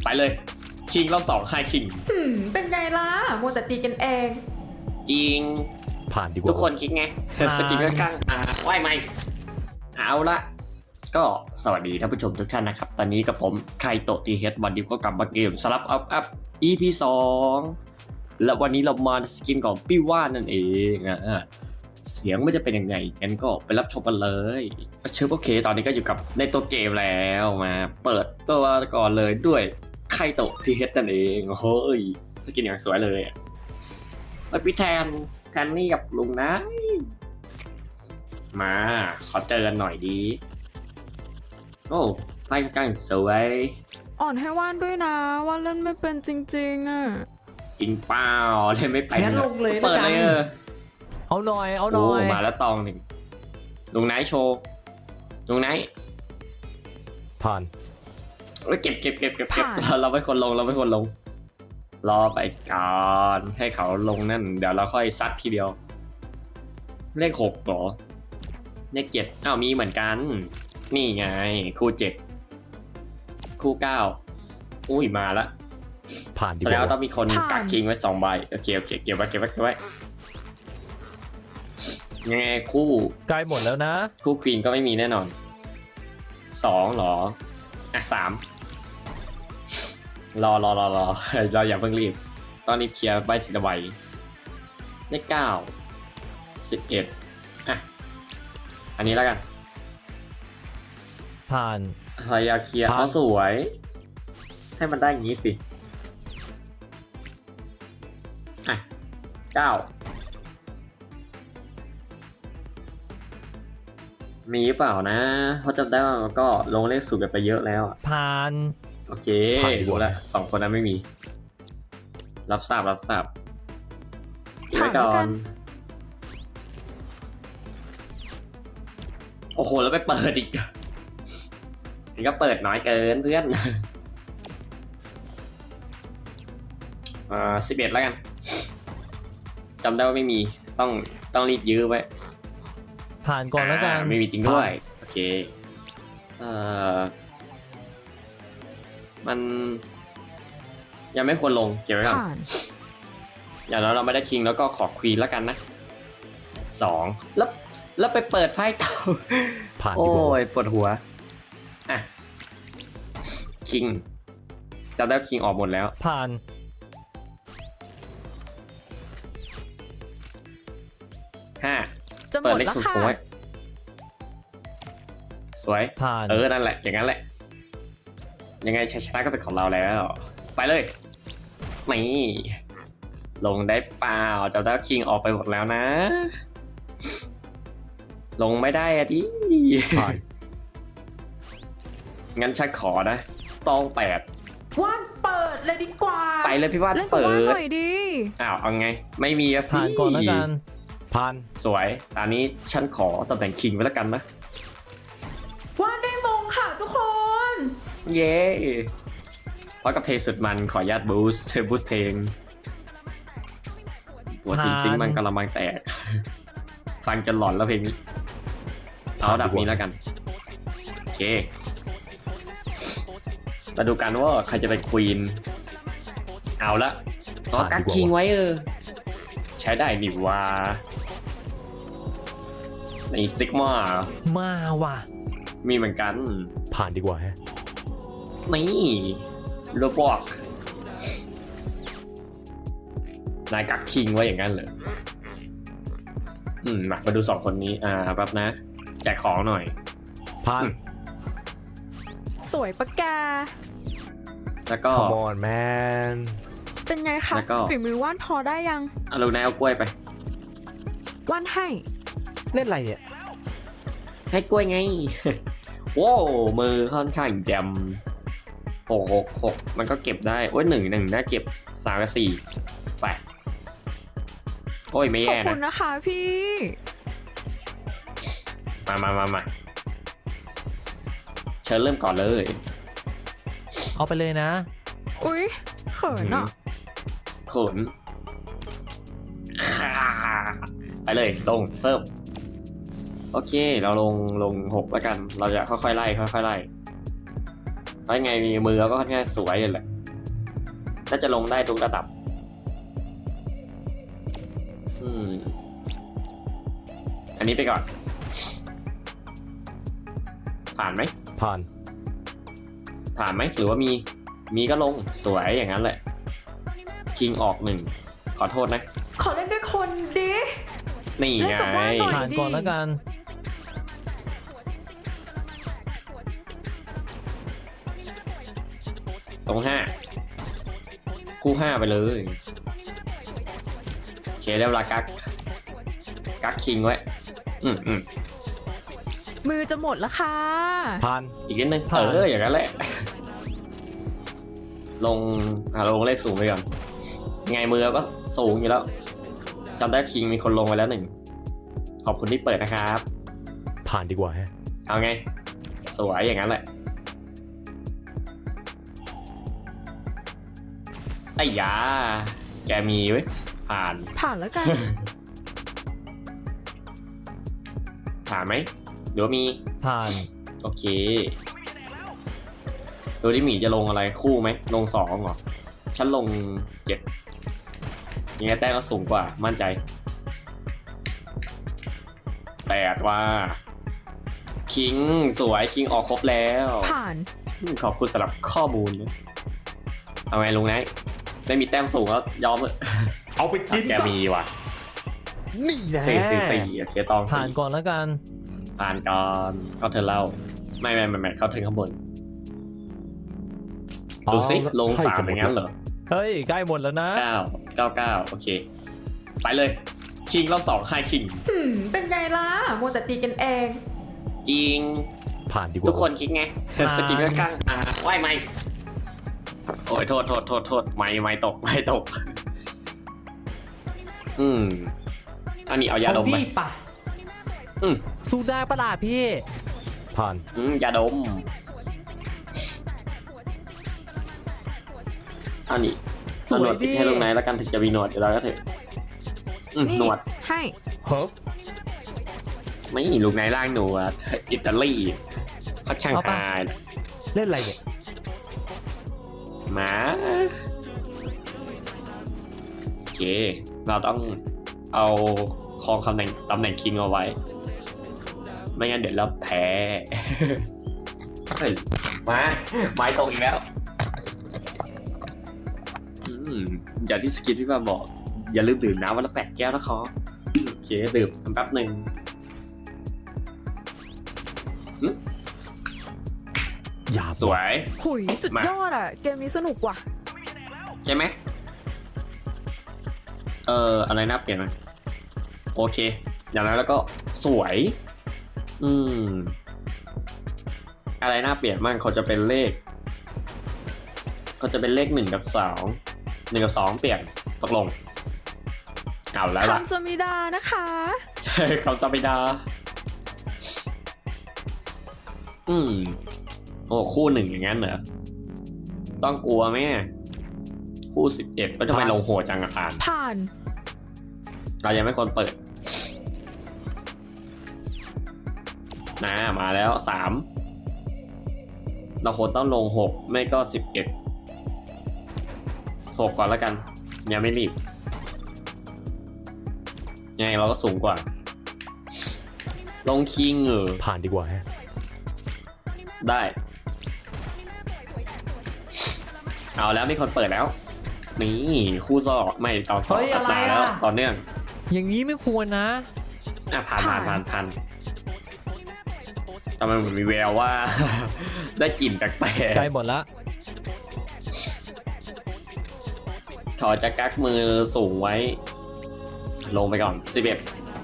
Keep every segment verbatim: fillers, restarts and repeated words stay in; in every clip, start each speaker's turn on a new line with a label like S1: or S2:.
S1: เลยคิงรอบสองไฮคิง
S2: หืมเป็นไงล่ะมัวแต่ตีกันเอง
S1: จริง
S3: ผ่านดีกว่า
S1: ทุกคนคิดไงสกินก็กลางอ่าว่ายไหมเอาละก็สวัสดีท่านผู้ชมทุกท่านนะครับตอนนี้กับผมไคโตะทีเฮดวันนี้ก็กลับมาเกมสลับอัพอัพ อี พี สองและวันนี้เรามาสกินของพี่ว่านนั่นเองอ่ะเสียงมันจะเป็นยังไงงั้นก็ไปรับชมกันเลยเชิญโอเคตอนนี้ก็อยู่กับในตัวเกมแล้วมาเปิดตัวก่อนเลยด้วยไคโตะทีเฮดนั่นเองโอ้ยสกินอย่างสวยเลยมาพี่แทนแทนนี่กับลุงนะมาขอเจอกันหน่อยดีโอ้ไพ่กลางสวย
S2: อ่อนให้ว่านด้วยนะว่านเล่นไม่เป็นจริงๆอ่ะ
S1: จริงเปล่าเล่นไม่ไป
S3: งั้นลงเลย
S1: เปิดเลยเออ
S3: เอาหน่อยเอาหน่
S1: โอ้
S3: อย
S1: มาแล้วตองหนึ่งลุงไนท์โชว์ลุงไนท์
S3: ผ่าน
S1: เอ้ยเก็บเก็บเก็บเก็บเก็บเราเราไม่คนลงเราไม่คนลง รอไปก่อนให้เขาลงนั่นเดี๋ยวเราค่อยซัดทีเดียว เลขหกเหรอเลขเจ็ดอ้าวมีเหมือนกัน นี่ไงคู่เจ็ดคู่เก้าอุ้ยมาละ
S3: ผ่านดี
S1: แส
S3: ก
S1: ดง
S3: ว่า
S1: ว่าต้องมีคนกักคิงไว้สองใบโอเคโอเคเก็บไว้เก็บไว้เก็บไว้ยังไงคู่
S3: ใกล้หมดแล้วนะ
S1: คู่ควีนก็ไม่มีแน่นอนสองหรออ่ะสามรอรอรอรอ เราอย่าเพิ่งรีบตอนนี้เคลียร์ใบทีละใบเลขเก้าสิบเอ็ดอ่ะอันนี้แล้วกัน
S3: ผ่าน
S1: พยายามเคลียร์
S3: ผ่าน
S1: เขาสวย ให้มันได้อย่างนี้สิอ่ะเก้ามีหรือเปล่านะเพราะจำได้ว่ามันก็ลงเลขสูงกันไปเยอะแล้วอะ
S3: ผ่าน
S1: โอเค
S3: ผ่านดีกว่า
S1: รู้แล้วสองคนนั้นไม่มี รับทราบรับทราบอีกไว้ก่อนโอ้โหแล้วไปเปิดอีกนี่ก็เปิดน้อยเกินเพื่อน อ่าสิบเอ็ดแล้วกันจำได้ว่าไม่มีต้องต้องรีบยื้อไว้
S3: ผ่านก่อนแล้วกัน
S1: อ่าไม่มีจริงด้วยโอเคเอ่อมันยังไม่ควรลงเก็บไว้ก่อน
S2: ผ่าน
S1: อย่างน้อยเราไม่ได้คิงแล้วก็ขอควีนแล้วกันนะสองแล้วแล้วไปเปิดไพ่เก่า
S3: ผ่านดี
S1: โอ้
S3: กว่า
S1: ยปวดหัวอ่ะคิงจำได้คิงออกหมดแล้ว
S3: ผ่าน
S1: ห้า
S2: จะหม
S1: เปิด
S2: ด
S1: เลข
S2: แล้ว
S1: สูง
S2: ค่ะ
S1: ๆไว้สวย
S3: ผ่าน
S1: เออ นั่นแหละ อย่างนั้นแหละ ยังไงชัยชนะก็เป็นของเราแล้ว ไปเลยนี่ลงได้เปล่าเจ้าดาวคิงออกไปหมดแล้วนะ ลงไม่ได้อะดิ
S3: ผ่าน
S1: งั้นชักขอนะ ต้องแปด
S2: ว่านเปิดเลยดีกว่า
S1: ไปเลยพี่ว่าน
S2: เล่นกับ
S1: เปิ
S2: ว่าน
S1: ด
S2: หน่อยดี
S1: อ้าว เอาไง ไม่มีอะสิ
S3: ผ่านก่อนแล้วกันผ่าน
S1: สวย ตอนนี้ฉันขอตำแหน่งคิงไว้แล้วกันนะ
S2: ว่านได้มงค่ะทุกคน
S1: เย้เพราะกับเพลงสุดมันขออนุญาตบูสต์บูสต์เพลงหัวจริงซิงค์มันกำลังแตก ฟังจนหลอนแล้วเพลงนี้ เอาดับนี้แล้วกัน โอเค มาดูกันว่าใครจะเป็นควีน เอาละอ๋อกักคิงไว้เออ ใช้ได้นี่ว่าในซิกมา
S3: มาว่ะ
S1: มีเหมือนกัน
S3: ผ่านดีกว่าฮะ
S1: นี่โรบอกนายกักคิงไว้อย่างนั้นเลยอืมมามาดูสองคนนี้ อ่าแป๊บนะ แจกของหน่อย
S3: ผ่าน
S1: อืม
S2: สวยปะแก
S1: แล้วก็
S3: Come on man
S2: เป็นไงคะ
S1: แล้วก็
S2: ฝีมือว่านพอได้ยัง
S1: เอาลูกนายเอากล้วยไป
S2: ว่านให้
S3: เล่นอะไรเนี่ย
S1: ให้กล้วยไง โว้วมือค่อนข้างแจมหกหกหกมันก็เก็บได้ โอ้ยหนึ่งหนึ่งน่าเก็บสามกับสี่ไปโอ้ยไม่
S2: ขอบ
S1: แย่
S2: คุ
S1: นะ
S2: ณนะคะพี่
S1: มามามามาเชิญเริ่มก่อนเลย
S3: เอาไปเลยนะ
S2: อุ๊ยเขินอ่ะ
S1: ขนไปเลยลงเพิ่มโอเคเราลงลงหกแล้วกัน เราจะค่อยๆไล่ค่อยๆไล่เพราะยังไงมีมือเราก็ค่อนข้างสวยเลยแหละน่าจะลงได้ทุกระดับอืมอันนี้ไปก่อน ผ่านไหม
S3: ผ่าน
S1: ผ่านไหมหรือว่ามีมีก็ลงสวยอย่างนั้นแหละคิงออกหนึ่งขอโทษนะ
S2: ขอเล่นด้วยคนดิ
S1: นี่ไง
S2: เล่นกับว่านหน่อย
S3: ผ่านก่อนแล้วกัน
S1: ตรงห้าคู่ห้าไปเลยโอเคได้เวลากักกักคิงไว้อืมอืม
S2: มือจะหมดแล้วค่ะ
S3: ผ่าน
S1: อีกนิดนึง
S3: ผ่าน
S1: เอออย่างนั้นแหละ ลงอ่าลงเลขสูงไปก่อนยังไงมือก็สูงอยู่แล้วจำได้คิงมีคนลงไปแล้วหนึ่งขอบคุณที่เปิดนะครับ
S3: ผ่านดีกว่าฮะ
S1: เอาไงสวยอย่างนั้นแหละไอ้ยาแกมีไว้ยผ่าน
S2: ผ่านแล้วกัน
S1: ผ่านไหมเดี๋ยวามี
S3: ผ่าน
S1: โอเคดูที่หมีจะลงอะไรคู่ไหมลงสองเหรอฉันลงเจ็ดยังไงแต้มก็สูงกว่ามั่นใจแปดว่าคิงสวยคิงออกครบแล้ว
S2: ผ่าน
S1: ขอบคุณสำหรับข้อมูลนะเอาไงลุงไนท์ได้มีแต้มสูงแล้วยอมเลย
S3: เอาไปกิน
S1: แก
S3: ซะ
S1: มีว่ะ
S3: นี่แหละ
S1: สี่สี่สี่โอเคตอง
S3: ผ่าน
S1: สี่
S3: ก่อนแล้วกัน
S1: ผ่านก่อนเข้าเธอเล่าไม่ไม่ไม่ไม่เข้าถึงข้างบนดูสิลงสามอย่างนั้นเหรอ
S3: เฮ้ยใกล้หมดแล้วนะ
S1: เก้าเก้าเก้าโอเค ไปเลยคิงรอบสองไฮคิง
S2: หืม เป็นไงล่ะมัวแต่ตีกันเอง
S1: จริง
S3: ผ่านดีกว่า
S1: ทุกคนคิดไง
S3: ผ่าน
S1: สกินก็กลางอ่าไหวไหมโอ้ยโทษโทษโทษโทษไม่ไม่ตกไม่ตก อืมอันนี้เอายาดมไหม
S3: นี่ปะ
S1: อืม
S3: สู้ได้ปะล่ะพี่ ผ่าน
S1: อืมยาดมอันนี้
S3: สวย
S1: หนวดติด
S3: ดิ
S1: ให้ลงไหนแล้วกันถึงจะมีหนวดอยู่แล้วก็เถอะอืม
S2: นี่
S1: หนวด
S2: ให้
S3: เฮ้ย
S1: ไม่ลูกไหนล่างหนวดอิตาลีพักช่างหาย
S3: เล่นอะไรเนี่ย
S1: หมาโอเค เราต้องเอาครองตำแหน่งตำแหน่งคิงเอาไว้ ไม่งั้นเดี๋ยวเราแพ้ เฮ้ยมาไม้ตรงอีกแล้วอืมอย่างที่สกินที่มาบอก อย่าลืมดื่มน้ำวันละแปดแก้วนะครับโอเคดื่มแป๊บหนึ่ง
S3: อย่า
S1: สวย
S2: หุยสุด
S1: มา
S2: ยอดอ่ะ เกมนี้สนุกว่ะ
S1: ใช่ไหมเอออะไรน่าเปลี่ยนไหมโอเค อย่างนั้นแล้วก็สวย อืม อะไรน่าเปลี่ยนบ้างเขาจะเป็นเลขเขาจะเป็นเลขหนึ่งกับสองหนึ่งกับสองเปลี่ยนตกลงเอาแล้วล่ะ
S2: คำสมิดานะคะ
S1: เขาจะไม่ได้อืม โอ้คู่หนึ่งอย่างนั้นเหรอต้องกลัวไหมคู่สิบเอ็ดก็จะไปลงโหดจังอ่าน
S2: ผ่าน
S1: เรายังไม่ควรเปิดนะมาแล้วสามเราควรต้องลงหกไม่ก็สิบเอ็ดหกก่อนแล้วกันยังไม่รีบยังไงเราก็สูงกว่า ลงคิงเออ
S3: ผ่านดีกว่าฮะ
S1: ได้ เอาแล้วมีคนเปิดแล้ว นี่คู่ซอกไม่ต่อสอง
S3: เฮ้ยอะไร
S1: มา
S3: อะ
S1: แล้วต่อเนื่อง
S3: อย่างนี้ไม่ควรนะ
S1: อ่ะผ่านผ่านผ่านผ่านทำไมมันมีแววว่า ได้กลิ่นแปลก
S3: ใกล้หมดละ
S1: ๆถอดจากกักมือสูงไว้ ลงไปก่อนสิบเอ็ด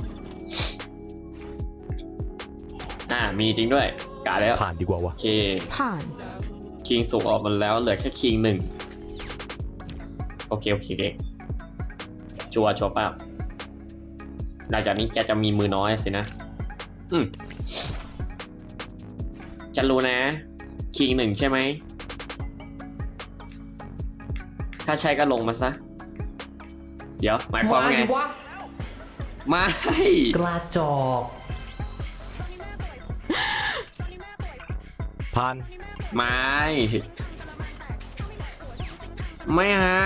S1: อ่ามีจริงด้วยกาแล้ว
S3: ผ่านดีกว่าวะ
S1: โอเค
S2: ผ่าน
S1: คิงสูงออกมาแล้วเหลือแค่คิงหนึ่งโอเคโอเคโอเคชัวร์ชัวร์ป่ะหลังจากนี้แกจะมีมือน้อยสินะ อืมฉันรู้นะคิงหนึ่งใช่ไหมถ้าใช่ก็ลงมาซะ เดี๋ยวหมายความว่าไง
S3: วะ
S1: ไม่
S3: กระจอก ผ่าน
S1: ไม่ไม่ฮะ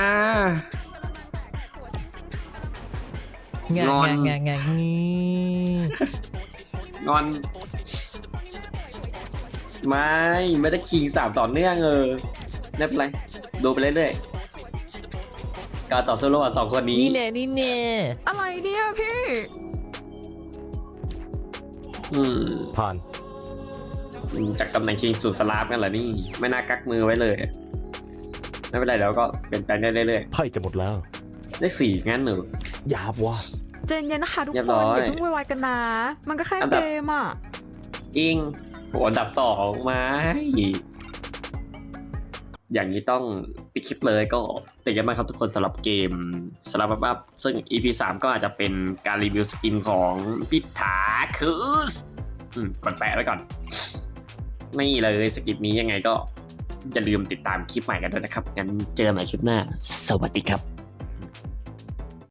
S3: แงะ
S1: งอน
S3: แงะแงะแงะงี้
S1: งอน ไม่ไม่ได้คิงสามต่อเนื่องเออไม่เป็นไรดูไปเรื่อยๆการต่อสู้ระหว่างสองคนนี้
S3: นี่แน่นี่แน่
S2: อะไรเนี่ยพี่
S1: อืม
S3: ผ่าน
S1: จากตำแหน่งคิงสู่สลาฟกันเหรอนี่ไม่น่ากักมือไว้เลยไม่เป็นไรเดี๋ยวก็เปลี่ยนแปลงได้เรื่อย
S4: ไพ่จะหมดแล้ว
S1: ๆเลขสี่งั้นหนู
S4: หยาบว่ะ
S2: เจนเย็นนะคะทุก
S1: เรียบ
S2: ค
S1: ร้
S2: น
S1: อย
S2: อย่าเพิ่งวายๆกันนะ มันก็แค่
S1: อันดั
S2: เก
S1: บ
S2: มอ่ะ
S1: จริงโหอันดับสองมาอย่างนี้ต้องปิดคลิปเลยก็เป็นกันบ้างครับทุกคนสำหรับเกมสลับบับซึ่ง อี พี สามก็อาจจะเป็นการรีวิวสกินของพิธาคืสอืมกดแปะไว้ก่อน ไม่เลยสกินนี้ยังไงก็อย่าลืมติดตามคลิปใหม่กันด้วยนะครับ งั้นเจอกันใหม่คลิปหน้า สวัสดีครับ